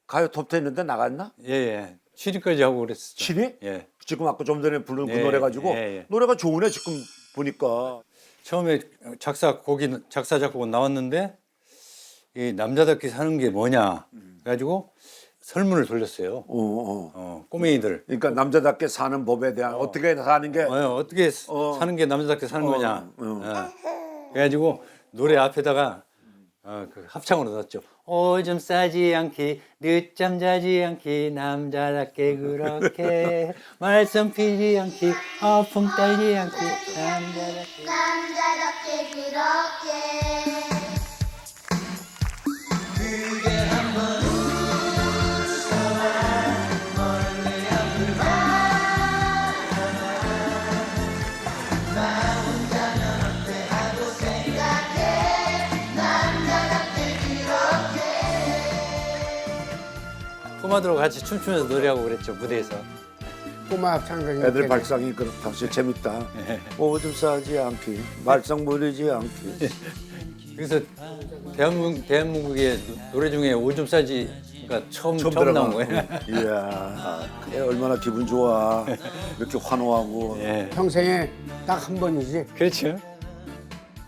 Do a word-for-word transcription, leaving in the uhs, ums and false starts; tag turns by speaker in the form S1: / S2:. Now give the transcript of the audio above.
S1: 가요 톱텐 있는데 나갔나?
S2: 예, 예. 칠 위까지 하고 그랬었죠.
S1: 칠 위?
S2: 예.
S1: 지금 아까 좀 전에 부른 그
S2: 예,
S1: 노래 가지고
S2: 예, 예.
S1: 노래가 좋으네 지금 보니까.
S2: 처음에 작사 곡이 작사 작곡은 나왔는데 이 남자답게 사는 게 뭐냐 그래가지고 설문을 돌렸어요.
S1: 어, 어.
S2: 어, 꼬맹이들
S1: 그러니까 남자답게 사는 법에 대한 어. 떻게 사는 게
S2: 어, 어떻게
S1: 어.
S2: 사는 게 남자답게 사는
S1: 어,
S2: 거냐.
S1: 어.
S2: 어. 그래가지고 노래 앞에다가 어, 그 합창으로 넣었죠. 오줌 싸지 않기, 늦잠 자지 않기, 남자답게 그렇게 말썽 피지 않기, 아픔 떨지 않기, 남자답게.
S3: 남자답게 그렇게
S2: 꼬마들하고 같이 춤추면서 노래하고 그랬죠, 무대에서.
S4: 꼬마 합창단이
S1: 애들 발상이 그 당시 재밌다. 오줌 싸지 않기, 말썽 부리지 않기.
S2: 그래서 대한민국, 대한민국의 노래 중에 오줌 싸지가 처음, 처음,
S1: 들어가.
S2: 나온 거예요.
S1: 이야, 그래 얼마나 기분 좋아. 이렇게 환호하고.
S2: 예.
S4: 평생에 딱 한 번이지.
S2: 그렇죠.